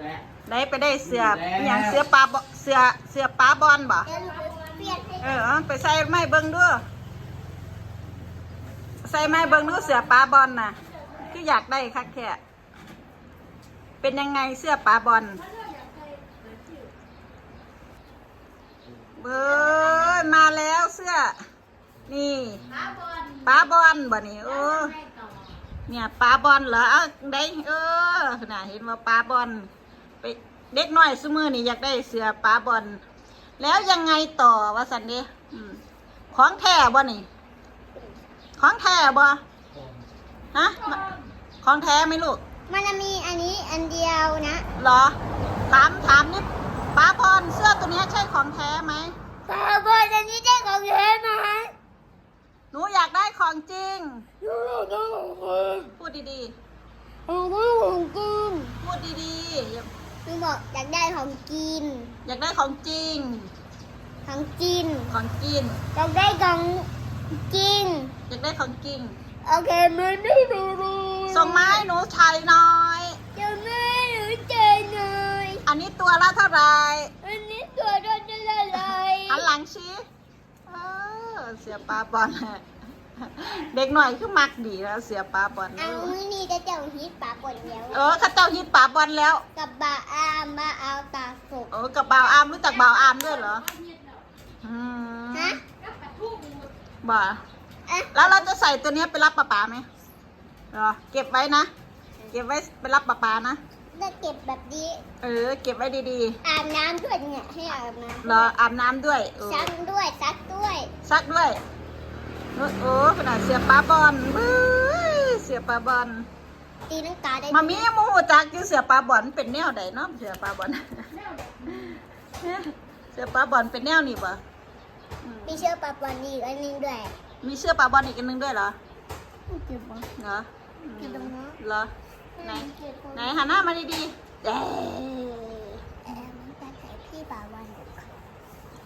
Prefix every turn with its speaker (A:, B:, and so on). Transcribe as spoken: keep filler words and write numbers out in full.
A: ได้ไปได้เสืออย่างเสือปลาเสือเสือปลาบอลบ่เออไปใส่ไม้เบิ้งด้วยใส่ไม้เบิ้งด้วยเสือปลาบอลน่ะคืออยากได้คักแค่เป็นยังไงเสื้อปลาบอลเบ้อมาแล้วเสื้อนี่ปลาบอลบ่นี่เออเนี่ยปลาบอลเหรอเอาได้เออน่ะเห็นว่าปลาบอลไปเด็กน้อยซุมือนี่อยากได้เสื้อปลาบอลแล้วยังไงต่อวะสันเดของแท้บ่นี่ของแท้บ่ฮะของแท้ไหมลูก
B: มันจะมีอันนี้อันเดียวนะ
A: เหรอถามถามนี่ปลาบอลเสื้อตัวนี้ใช่ของแท้ไหม
B: ปลาบอลอันนี้ใช่ของแท้ไหม
A: หนูอยากได้ของจริง
B: หนูอยากได้ของจริง
A: พูดดี
B: ๆอยากได้ของจริง
A: พูดดี
B: ๆหนูบอกอยากได้ของกิน
A: อยากได้ของจริง
B: ของกิน
A: ของกิน
B: อยากได้ของจริง
A: อยากได้ของจริง
B: โอเคมันไม่รู้
A: ส่งไม้หนูชัยน้อย
B: จะไม่หนูใจหน่อย
A: อันนี้ตัวละเท่าไร
B: อันนี้ตัวละเท่าไร
A: หันหลังชี้เออเสียปลาบอลเด็กหน่อยคือมักดีแล้วเสียปลาบอล
B: เอามือนี่จะเจ้าฮิตปลาบอลแล้ว
A: เออข้าเจ้าฮิตปลาบอลแล้ว
B: กับบ่าวอามบ่าวเอาตาสุก
A: เออกับบ่าวอามรู้จักบ่าวอามด้วยเหรอ
B: ฮะ
A: บ่าแล้วเราจะใส่ตัวนี้ไปรับปลาปลาไหมรอเก็บไว้นะเก็บไว้ไปรับปลาปลานะ
B: จะเก็บแบบนี้
A: เออเก็บไว้ดี
B: ๆอาบน้ำด้วยเนี่ยให้อาบน้ำ
A: รออาบน้ำด้วย
B: ซักด้วยซักด้วย
A: ซักด้วยโอ้ขนาดเสียปลาบอลเสียปลาบอล
B: ตีนังกาได้
A: มามีโมโหจักอยู่เสียปลาบอลเป็นแนวใดเนาะเสียปลาบอลเสียปลาบอลเป็นแนวนี่ปะ
B: มีเชือกปลาบอลอีกอันนึงด้วย
A: มีเชือกปลาบอลอีกอันนึงด้วยเหรอเหรอ
B: เก็บตรงนี้
A: เหรอไหนไหนหันหน้ามาดีๆเด้